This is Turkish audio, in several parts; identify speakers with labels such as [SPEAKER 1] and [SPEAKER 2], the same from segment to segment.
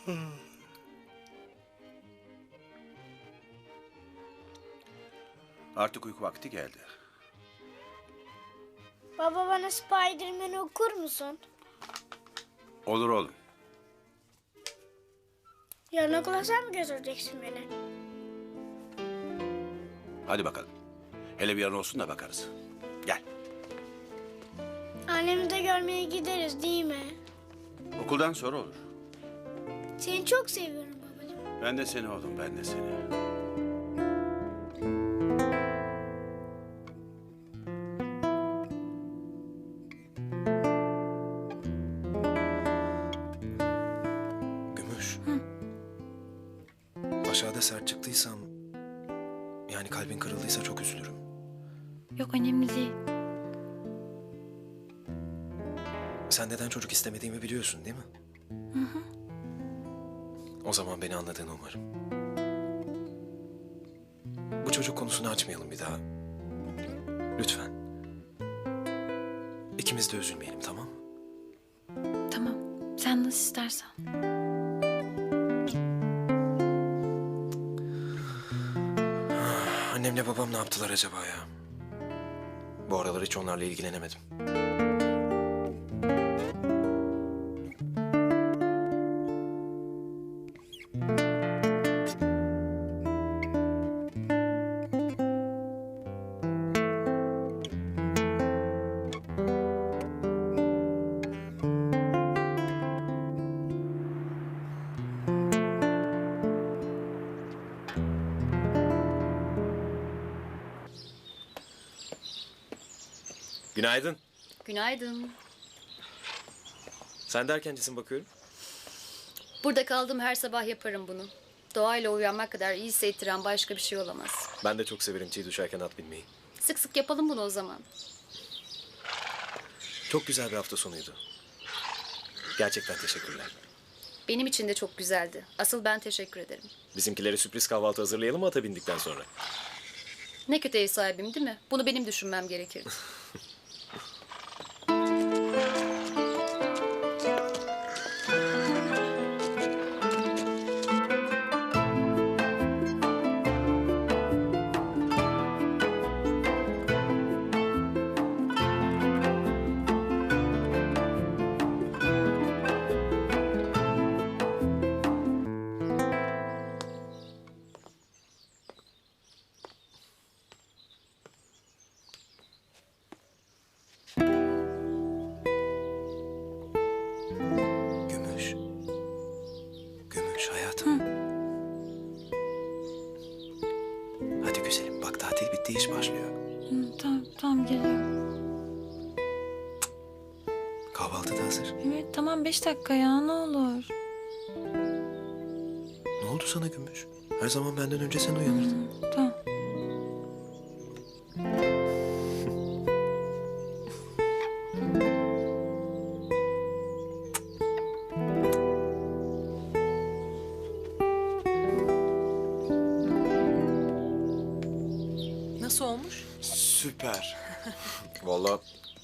[SPEAKER 1] Artık uyku vakti geldi.
[SPEAKER 2] Baba bana Spider-Man'i okur musun?
[SPEAKER 1] Olur oğlum.
[SPEAKER 2] Yarın okula sen mi götüreceksin beni?
[SPEAKER 1] Hadi bakalım. Hele bir an olsun da bakarız. Gel.
[SPEAKER 2] Annemi de görmeye gideriz değil mi?
[SPEAKER 1] Okuldan sonra olur.
[SPEAKER 2] Seni çok seviyorum babacığım.
[SPEAKER 1] Ben de seni oğlum, ben de seni.
[SPEAKER 3] Gümüş. Aşağıda sert çıktıysam, yani kalbin kırıldıysa çok üzülürüm.
[SPEAKER 4] Yok önemli değil.
[SPEAKER 3] Sen neden çocuk istemediğimi biliyorsun değil mi? Hı hı. O zaman beni anladığını umarım. Bu çocuk konusunu açmayalım bir daha. Lütfen. İkimiz de üzülmeyelim, tamam mı?
[SPEAKER 4] Tamam. Sen nasıl istersen.
[SPEAKER 3] Annemle babam ne yaptılar acaba ya? Bu aralar hiç onlarla ilgilenemedim. Günaydın.
[SPEAKER 5] Günaydın.
[SPEAKER 3] Sen de erkencisin bakıyorum.
[SPEAKER 5] Burada kaldım, her sabah yaparım bunu. Doğayla uyanmak kadar iyi hissettiren başka bir şey olamaz.
[SPEAKER 3] Ben de çok severim çiğ düşerken at binmeyi.
[SPEAKER 5] Sık sık yapalım bunu o zaman.
[SPEAKER 3] Çok güzel bir hafta sonuydu. Gerçekten teşekkürler.
[SPEAKER 5] Benim için de çok güzeldi. Asıl ben teşekkür ederim.
[SPEAKER 3] Bizimkilere sürpriz kahvaltı hazırlayalım mı ata bindikten sonra?
[SPEAKER 5] Ne kötü ev sahibim değil mi? Bunu benim düşünmem gerekirdi.
[SPEAKER 3] Gümüş. Gümüş hayatım. Hadi güzelim bak tatil bitti iş başlıyor.
[SPEAKER 4] Tamam geliyorum.
[SPEAKER 3] Kahvaltı da hazır.
[SPEAKER 4] Evet tamam 5 dakika ya ne olur.
[SPEAKER 3] Ne oldu sana Gümüş? Her zaman benden önce sen uyanırdın.
[SPEAKER 4] Tamam.
[SPEAKER 6] Nasıl olmuş?
[SPEAKER 3] Süper. Vallahi.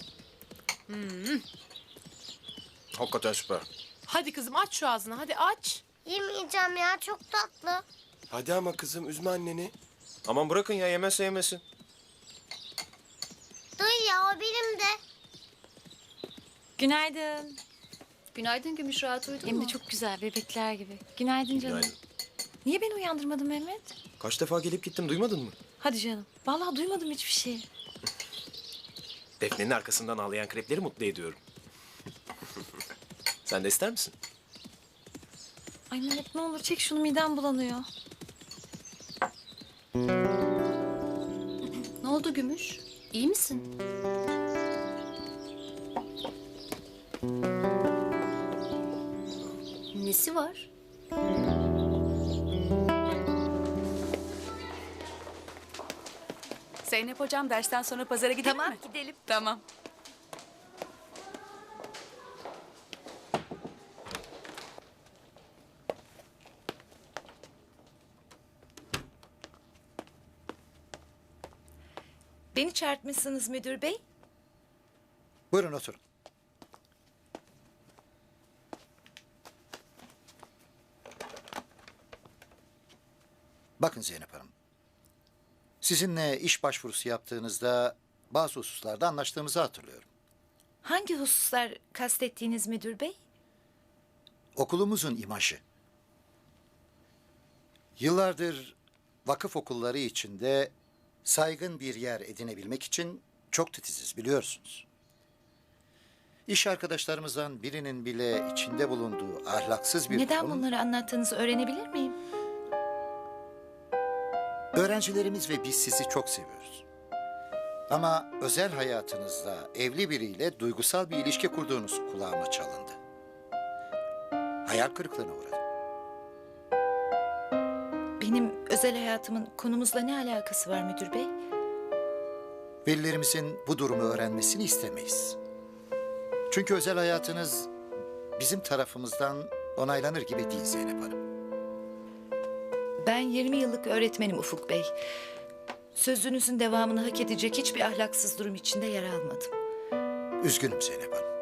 [SPEAKER 3] Hakikaten süper.
[SPEAKER 6] Hadi kızım aç şu ağzını, hadi aç.
[SPEAKER 2] Yemeyeceğim ya, çok tatlı.
[SPEAKER 3] Hadi ama kızım üzme anneni. Aman bırakın ya yemezse yemesin.
[SPEAKER 2] Duy ya, o benim de.
[SPEAKER 4] Günaydın.
[SPEAKER 5] Günaydın Gümüş, rahat uyudun
[SPEAKER 4] Hem
[SPEAKER 5] mu?
[SPEAKER 4] de çok güzel bebekler gibi. Günaydın canım.
[SPEAKER 3] Günaydın.
[SPEAKER 4] Niye beni uyandırmadın Mehmet?
[SPEAKER 3] Kaç defa gelip gittim duymadın mı?
[SPEAKER 4] Hadi canım. Vallahi duymadım hiçbir şey.
[SPEAKER 3] Defne'nin arkasından ağlayan krepleri mutlu ediyorum. Sen de ister misin?
[SPEAKER 4] Ay Mehmet ne olur çek şunu midem bulanıyor.
[SPEAKER 5] Ne oldu Gümüş? İyi misin? Nesi var?
[SPEAKER 6] Zeynep hocam dersten sonra pazara gidelim mi?
[SPEAKER 7] Tamam gidelim.
[SPEAKER 6] Tamam.
[SPEAKER 7] Beni çağırtmışsınız müdür bey.
[SPEAKER 8] Buyurun oturun. Bakın Zeynep Hanım. Sizinle iş başvurusu yaptığınızda bazı hususlarda anlaştığımızı hatırlıyorum.
[SPEAKER 7] Hangi hususlar kastettiğiniz müdür bey?
[SPEAKER 8] Okulumuzun imajı. Yıllardır vakıf okulları içinde saygın bir yer edinebilmek için çok titiziz biliyorsunuz. İş arkadaşlarımızdan birinin bile içinde bulunduğu ahlaksız bir
[SPEAKER 7] Neden
[SPEAKER 8] durum...
[SPEAKER 7] bunları anlattığınızı öğrenebilir miyim?
[SPEAKER 8] Öğrencilerimiz ve biz sizi çok seviyoruz. Ama özel hayatınızda evli biriyle duygusal bir ilişki kurduğunuz kulağıma çalındı. Hayal kırıklığına uğradım.
[SPEAKER 7] Benim özel hayatımın konumuzla ne alakası var müdür bey?
[SPEAKER 8] Velilerimizin bu durumu öğrenmesini istemeyiz. Çünkü özel hayatınız bizim tarafımızdan onaylanır gibi değil Zeynep Hanım.
[SPEAKER 7] Ben 20 yıllık öğretmenim Ufuk bey. Sözünüzün devamını hak edecek hiçbir ahlaksız durum içinde yer almadım.
[SPEAKER 8] Üzgünüm Zeynep Hanım.